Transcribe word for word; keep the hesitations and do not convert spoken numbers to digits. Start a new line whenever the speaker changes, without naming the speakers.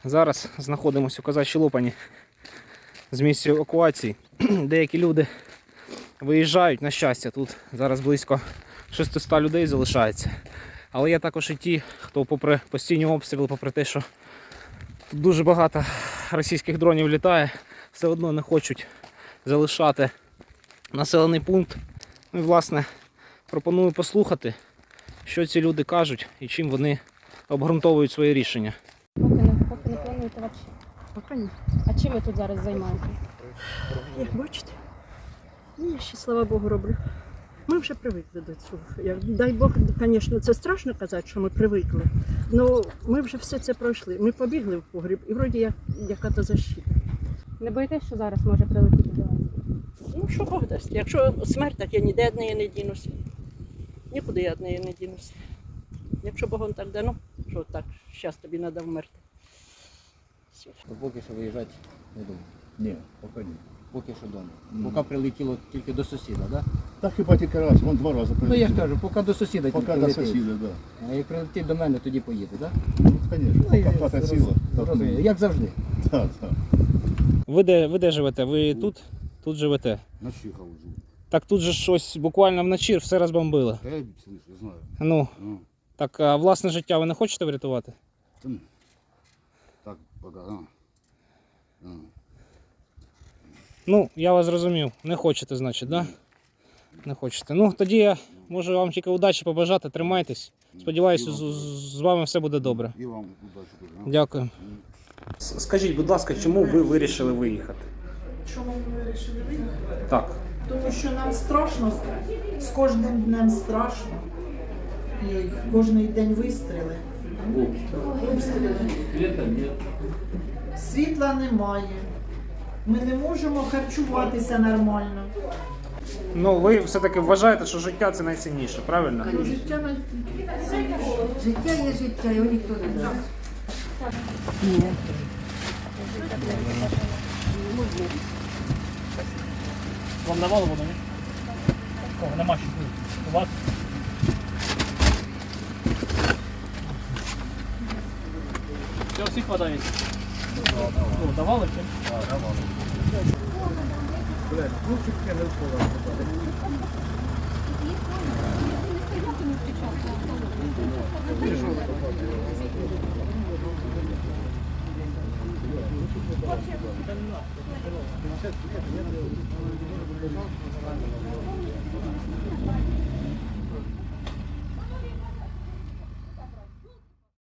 Зараз знаходимося у Козачій Лопані з місця евакуації. Деякі люди виїжджають, на щастя, тут зараз близько шістсот людей залишається. Але є також і ті, хто попри постійні обстріли, попри те, що тут дуже багато російських дронів літає, все одно не хочуть залишати населений пункт. Ну і, власне, пропоную послухати, що ці люди кажуть і чим вони обґрунтовують своє рішення.
Поки не, поки не плануєте взагалі?
Поки ні.
А чим ви тут зараз займаєтесь?
Як бачите, ну, я ще, слава Богу, роблю. Ми вже привикли до цього. Як, дай Бог, звісно, це страшно казати, що ми привикли. Але ми вже все це пройшли. Ми побігли в погріб і вроді як яка-то защита.
Не боїтесь, що зараз може прилетіти до вас?
Ну, що Бог дасть. Якщо смерть, так я ніде від неї не дінуся. Нікуди я від неї не дінуся. Якщо Богом так дано, що так, зараз тобі треба вмерти. Все.
Ну, поки що виїжджати не думаю.
Ні, поки ні.
Поки що вдома.
Мгм.
Поки прилетіло тільки до сусіда, так? Да?
Так хіба тільки раз, вон два рази
Ну я ж кажу, поки до сусіда
Поки
тільки
до
летить.
сусіда, так.
А як прилетить до мене, тоді поїде, так?
Ну, звісно,
Ну, я
поки хата ціла. так,
зрозумів.
ну,
Як завжди.
Так, так.
Ви де, ви де живете? Ви тут? Тут живете?
На Чехова живу.
Так тут же щось буквально вночі все розбомбили.
Да я слышу, знаю.
Ну,
Ну,
так а власне життя ви не хочете врятувати?
там, так, пока, а. А.
Ну, я вас зрозумів. Не хочете, значить, так? Да? Не хочете. Ну, тоді я можу вам тільки удачі побажати, тримайтесь. Сподіваюся, з, з- з вами все буде добре.
И вам удачи тоже. а.
Дякую. Скажіть, будь ласка, чому ви вирішили виїхати?
Чому ми вирішили виїхати?
Так.
Тому що нам страшно, з кожним днем страшно. І кожен день вистріли. Обстріли. Світла немає. Ми не можемо харчуватися нормально.
Ну, ви все-таки вважаєте, що життя це найцінніше, правильно?
Життя на
Життя є життя, його ніхто не дасть.
Вам давали воду, ні? О, нема ще. У вас? Все, всіх хватає? О, давали чи? Так, давали.